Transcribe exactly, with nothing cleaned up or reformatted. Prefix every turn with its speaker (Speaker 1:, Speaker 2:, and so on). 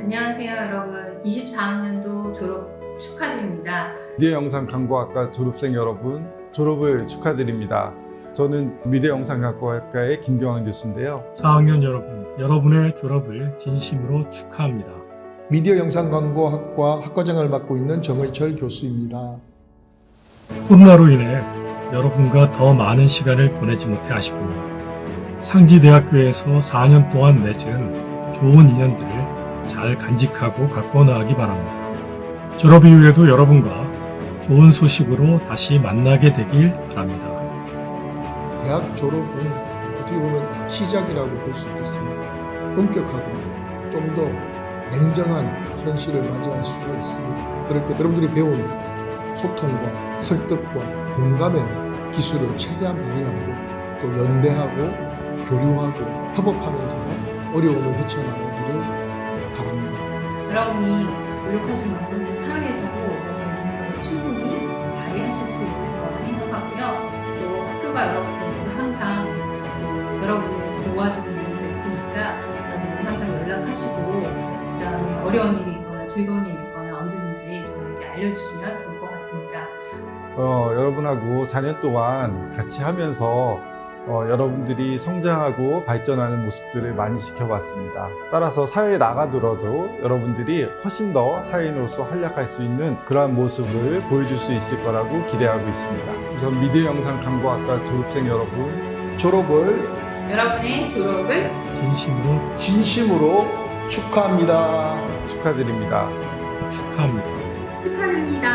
Speaker 1: 안녕하세요 여러분. 이십사 학년도 졸업 축하드립니다.
Speaker 2: 미디어 영상 강구학과 졸업생 여러분, 졸업을 축하드립니다. 저는 미디어 영상 강구학과의 김경환 교수인데요.
Speaker 3: 사 학년 여러분, 여러분의 졸업을 진심으로 축하합니다.
Speaker 4: 미디어 영상광고학과 학과장을 맡고 있는 정의철 교수입니다.
Speaker 3: 코로나로 인해 여러분과 더 많은 시간을 보내지 못해 아쉽군요. 상지대학교에서 사 년 동안 맺은 좋은 인연들을 잘 간직하고 갖고 나가기 바랍니다. 졸업 이후에도 여러분과 좋은 소식으로 다시 만나게 되길 바랍니다.
Speaker 4: 대학 졸업은 어떻게 보면 시작이라고 볼 수 있겠습니다. 엄격하고 좀 더 냉정한 현실을 맞이할 수가 있습니다. 그럴 때 여러분들이 배운 소통과 설득과 공감의 기술을 최대한 발휘하고 또 연대하고 교류하고 협업하면서 어려움을 헤쳐나가기를 바랍니다.
Speaker 1: 여러분이 노력하신 만큼 사회에서도 여러분이 충분히 발휘하실 수 있을 거라 생각하고요. 또 학교가 여러분들 항상 여러분을 도와주는 데서 있으니까 여러분들 항상 연락하시고 그다음에 어려운 일이 있거나 즐거운 일이 있거나 언제든지 저에게 알려주시면 좋을 것 같습니다.
Speaker 2: 어, 여러분하고 사 년 동안 같이 하면서 어, 여러분들이 성장하고 발전하는 모습들을 많이 지켜봤습니다. 따라서 사회에 나가더라도 여러분들이 훨씬 더 사회인으로서 활약할 수 있는 그러한 모습을 보여줄 수 있을 거라고 기대하고 있습니다. 우선 미디어 영상 강구학과 졸업생 여러분,
Speaker 4: 졸업을
Speaker 1: 여러분의 졸업을
Speaker 3: 진심으로
Speaker 4: 진심으로 축하합니다.
Speaker 2: 축하드립니다.
Speaker 3: 축하합니다.
Speaker 1: 축하드립니다.